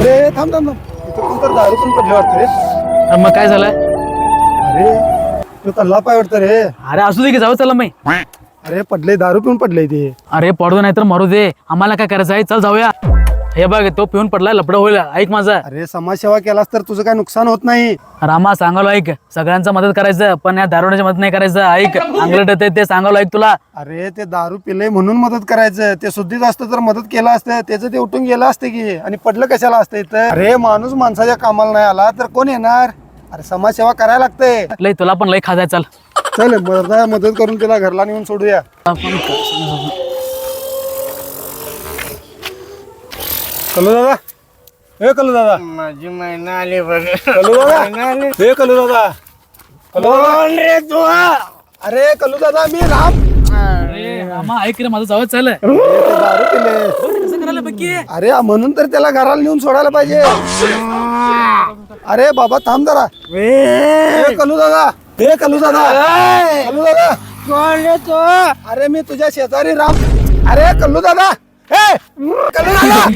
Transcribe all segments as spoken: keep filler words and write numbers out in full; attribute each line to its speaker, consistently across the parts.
Speaker 1: अरे थांब थांब थांब इथं कोणतं दारू पण पडले वाटतं रे.
Speaker 2: अरे मग काय झालंय?
Speaker 1: अरे तू तल्ला पाय वाटतं रे.
Speaker 2: अरे असू दे की जाऊ चला मी.
Speaker 1: अरे पडले दारू पिऊन पडले ते.
Speaker 2: अरे पडू नाही तर मरू दे, आम्हाला काय करायचं आहे, चल जाऊया. हे बघ तो पिऊन पडलाय, लपडं होईल, ऐक माझं.
Speaker 1: अरे समाजसेवा केलास तर तुझं काय नुकसान होत नाही.
Speaker 2: रामा सांगालो ऐक, सगळ्यांचा मदत करायचं पण या दारुण्याची मदत नाही करायचं. ऐक अंगलट येते ते सांगालो ऐक तुला.
Speaker 1: अरे ते दारू पिले म्हणून मदत करायचं. ते शुद्धीच असतं तर मदत केलं असतं, त्याचं ते उठून गेलं असतं की. आणि पडलं कशाला असतं इथं. अरे माणूस माणसाच्या कामाला नाही आला तर कोण येणार. अरे समाजसेवा करायला लागते.
Speaker 2: लय तुला पण लय खाजाय, चल.
Speaker 1: चल मर्दा मदत करून तिला घरला नेऊन सोडूया. कलू दादा, हे कलू दादा,
Speaker 3: माझी महिना आली बघ.
Speaker 1: कलू दादा, हे कलू दादा, कलू दादा.
Speaker 3: रे तू?
Speaker 1: अरे कलू दादा मी राम.
Speaker 2: अरे रामा ऐक रे माझं, जाऊ चल.
Speaker 1: अरे, ते दारू पिले.
Speaker 2: कसं करायला बघ की.
Speaker 1: अरे म्हणून तर त्याला घराला नेऊन सोडायला पाहिजे. अरे बाबा थांब जरा. हे कलू दादा, हे कलू दादा, कलू दादा.
Speaker 3: कोण रे तू?
Speaker 1: अरे मी तुझ्या शेजारी राम. अरे कल्लू दादा, हे कल्लू दादा.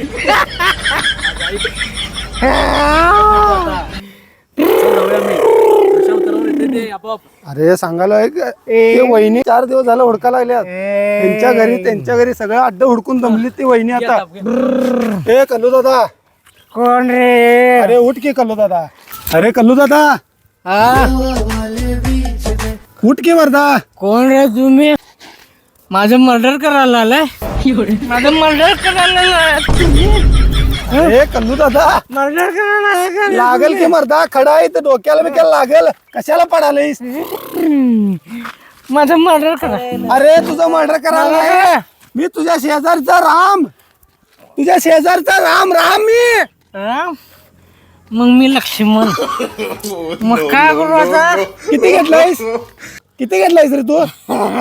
Speaker 1: अरे सांगायला एक ते वहिनी चार दिवस झालं हुडका लागल्यात. त्यांच्या घरी त्यांच्या घरी सगळं अड्ड हुडकून जमली ती वहिनी आता. हे कल्लू दादा.
Speaker 3: कोण रे?
Speaker 1: अरे उठ की कल्लू दादा. अरे कल्लू दादा उठ की मर्दा.
Speaker 3: कोण रे तुम्ही? माझं मर्डर करायला आलाय? माझं मर्डर करायला आलाय?
Speaker 1: अरे कल्लू दादा
Speaker 3: मर्डर करायला आलाय का?
Speaker 1: लागल की मर्दा. खडा आहे तर डोक्याला बिक्याला लागल. कशाला पडालीस.
Speaker 3: माझं मर्डर करा.
Speaker 1: अरे तुझं मर्डर करायला नाही. मी तुझ्या शेजारचा राम. तुझ्या शेजारचा राम राम मी.
Speaker 3: राम? मग मी लक्ष्मण. मग काय करू आता?
Speaker 1: किती घेतलायस किती घेतलायस रे तू.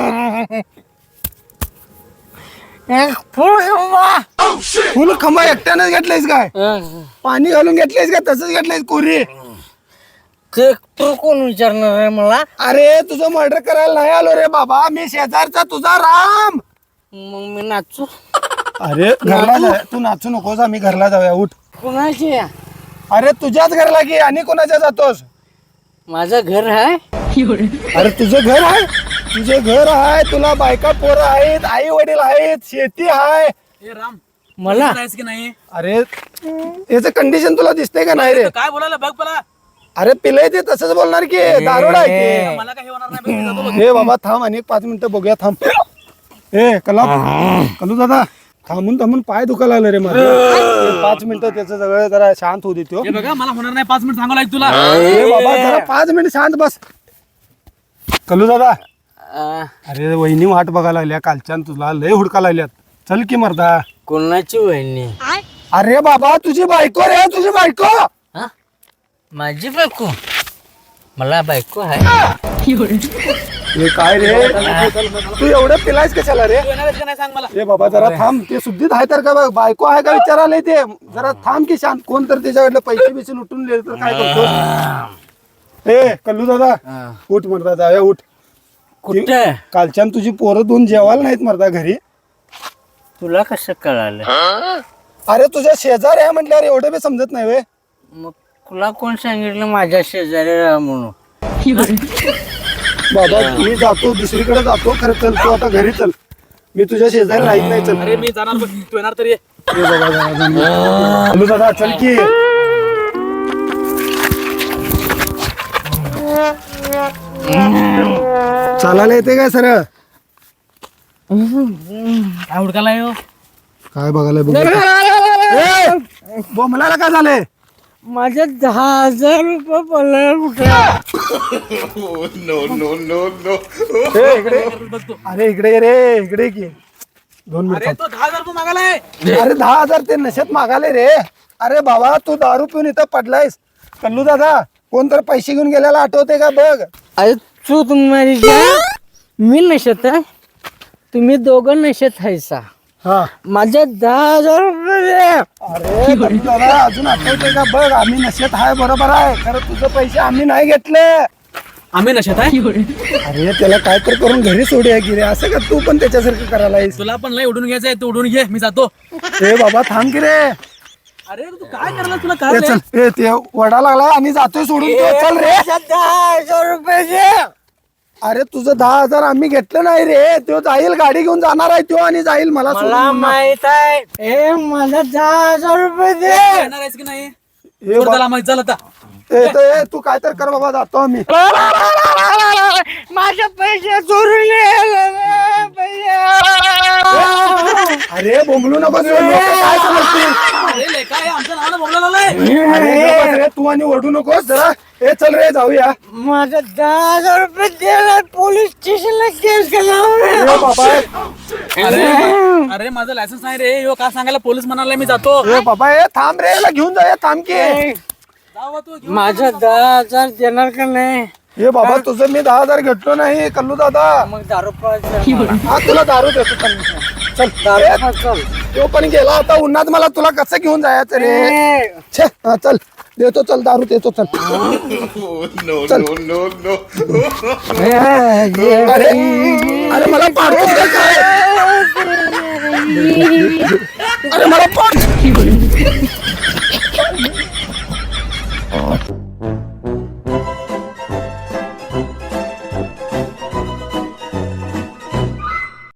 Speaker 3: एक फुल खंबा.
Speaker 1: फुल खंबा एकट्यानं घेतलायस काय. पाणी घालून घेतलायस का तसंच घेतलायस कोरी.
Speaker 3: ते तू कोण विचारणार आहे मला?
Speaker 1: अरे तुझं मर्डर करायला नाही आलो रे बाबा. मी शेजारचा तुझा राम.
Speaker 3: मग मी नाचू?
Speaker 1: अरे घरला जा. तू नाचू नकोस. आम्ही घरला जाऊया उठ.
Speaker 3: कोणाची?
Speaker 1: अरे तुझ्याच घरला की आणि कोणाच्या जातोस.
Speaker 3: माझं घर आहे.
Speaker 1: अरे तुझं घर आहे. तुझे घर आहे. तुला बायका पोरं आहेत. आई वडील आहेत. शेती आहे.
Speaker 2: राम
Speaker 3: मला
Speaker 2: की नाही
Speaker 1: अरे याचं कंडिशन तुला दिसतंय का नाही रे.
Speaker 2: काय बोलायला बघ मला.
Speaker 1: अरे पिलंय ते तसंच बोलणार की. दारोड आहे ते.
Speaker 2: मला काही होणार नाही.
Speaker 1: हे बाबा थांब आणि एक पाच मिनिटं बघूया थांब. ए कला कलू दादा थांबून थांबून पाय दुखायला लागलं रे माझं. हे पाच मिनिटं त्याचं सगळं जरा शांत होऊ देतो.
Speaker 2: हे बघा मला होणार नाही, पाच मिनिट सांगावं लागेल तुला.
Speaker 1: ए बाबा जरा पाच मिनिट शांत बस. कलू दादा
Speaker 3: अं,
Speaker 1: अरे वहिनी वाट बघायला लागल्या कालच्या तुला लय हुडका लागल्यात. चल की मर्दा.
Speaker 3: कोणाची वहिनी?
Speaker 1: अरे बाबा तुझी बायको रे. तुझी बायको.
Speaker 3: हा? माझी बायको? मला बायको आहे.
Speaker 1: हे काय रे तू एवढं पिलायस कशाला रे.
Speaker 2: तू येणार आहेस का नाही सांग मला.
Speaker 1: ए बाबा जरा थांब. ते शुद्धीत आहे तर का बघ. बायको आहे का विचारायला ते. जरा थांब की शांत. कोण तर त्याच्याकडलं पैसे बिसे लुटून दिले तर काय करतो. ए कल्लू दादा उठ मर्दा जाऊया उठ.
Speaker 3: कुठे?
Speaker 1: कालच्यान तुझी पोरं दोन जेवायला नाहीत मर्दा घरी.
Speaker 3: तुला कसं कळालं?
Speaker 1: अरे तुझ्या शेजार आहे म्हटल्यावर एवढं बी समजत नाही वे.
Speaker 3: मग तुला कोण सांगितलं माझ्या शेजारी राहा म्हणून?
Speaker 1: बाबा मी जातो दुसरीकडे जातो. खरं चल तू आता घरी चल. मी तुझ्या शेजारी राहत नाही. चल
Speaker 2: अरे मी जाणार बघ, तू येणार तरी ये.
Speaker 1: ए बाबा जरा जरा. कल्लू दादा चल की. चालायला येते काय सरळ.
Speaker 2: काय हुडकाला येऊ.
Speaker 1: काय बघायला बघ. बोमलाला काय झालंय.
Speaker 3: माझे दहा हजार रुपये पडले कुठे?
Speaker 1: ए, इकडे अरे इकडे ये रे. इकडे ये की दोन
Speaker 2: अरे
Speaker 1: मिनिट.
Speaker 2: तो दहा हजार रुपये मागालाय.
Speaker 1: अरे दहा हजार ते नशेत मागाले रे. अरे बाबा तू दारू पिऊन इथं पडलायस. कल्लू दादा कोण तर पैसे घेऊन गेल्याला आठवते का बघ.
Speaker 3: अरे तू तुम्ही मी नशेत आहे. तुम्ही दोघं नशेत आहेसा.
Speaker 1: हा
Speaker 3: माझे दहा हजार रुपये दे.
Speaker 1: अरे कल्लू दादा अजून आठवते का बघ. आम्ही नशेत आहे बरोबर आहे. खरं तुझं पैसे आम्ही नाही घेतले.
Speaker 2: आम्ही नशेत आहे.
Speaker 1: अरे त्याला काय तर करून घरी सोडूया की रे. असं का तू पण त्याच्यासारखं करायला आहेस.
Speaker 2: तुला पण लय उडून घ्यायचंय, तू उडून घे, मी जातो.
Speaker 1: ए बाबा थांब की रे.
Speaker 2: अरे तू काय करला तुला
Speaker 1: ए,
Speaker 2: काय
Speaker 1: चल ए ते वडा लागला आणि जातोय सोडून तो. चल रे.
Speaker 3: दहा हजार रुपये दे.
Speaker 1: अरे तुझं दहा हजार आम्ही घेतलं नाही रे. तो जाईल गाडी घेऊन जाणार आहे तो आणि जाईल मला
Speaker 3: मला
Speaker 1: सोडून.
Speaker 3: माहित आहे. ए मला दहा हजार रुपये दे.
Speaker 2: येणार आहेस की नाही
Speaker 1: ए,
Speaker 2: सोड
Speaker 1: बा-
Speaker 2: त्याला माहित झालं आता
Speaker 1: ए, तो, ए, तू काय तर कर बाबा जातो आम्ही.
Speaker 3: माझे पैसे चोरून
Speaker 1: अरे बोंबलू नको रे, लोकं काय समजतील?
Speaker 2: अरे लेका हे आमच्या नावानं बोलला लावलंय.
Speaker 1: अरे गप्प बस रे, तू आणि ओरडू नकोस जरा. ए चल रे जाऊया.
Speaker 3: माझा दहा हजार रुपये दिला पोलीस स्टेशनला केस केला.
Speaker 1: ए बाबा
Speaker 2: अरे अरे माझं लायसन्स नाही रे यो का सांगायला पोलीस म्हणाला मी जातो
Speaker 1: ए बाबा ए थांब रे, याला घेऊन जाऊया. थांब की.
Speaker 2: जावा तू घेऊन.
Speaker 3: माझा दहा हजार देणार का नाही?
Speaker 1: ए बाबा तुझं मी दहा हजार घेतलो नाही कल्लू दादा.
Speaker 3: मग दारू पाहिजे.
Speaker 1: हा तुला दारू देतो चल. चल
Speaker 3: दारू चल.
Speaker 1: तो पण गेला आता उन्हात. मला तुला कसं घेऊन जायचं रे. छे हा, चल देतो. चल दारू देतो. चल चल. अरे अरे मला पाडतोस का काय? अरे मला पाड.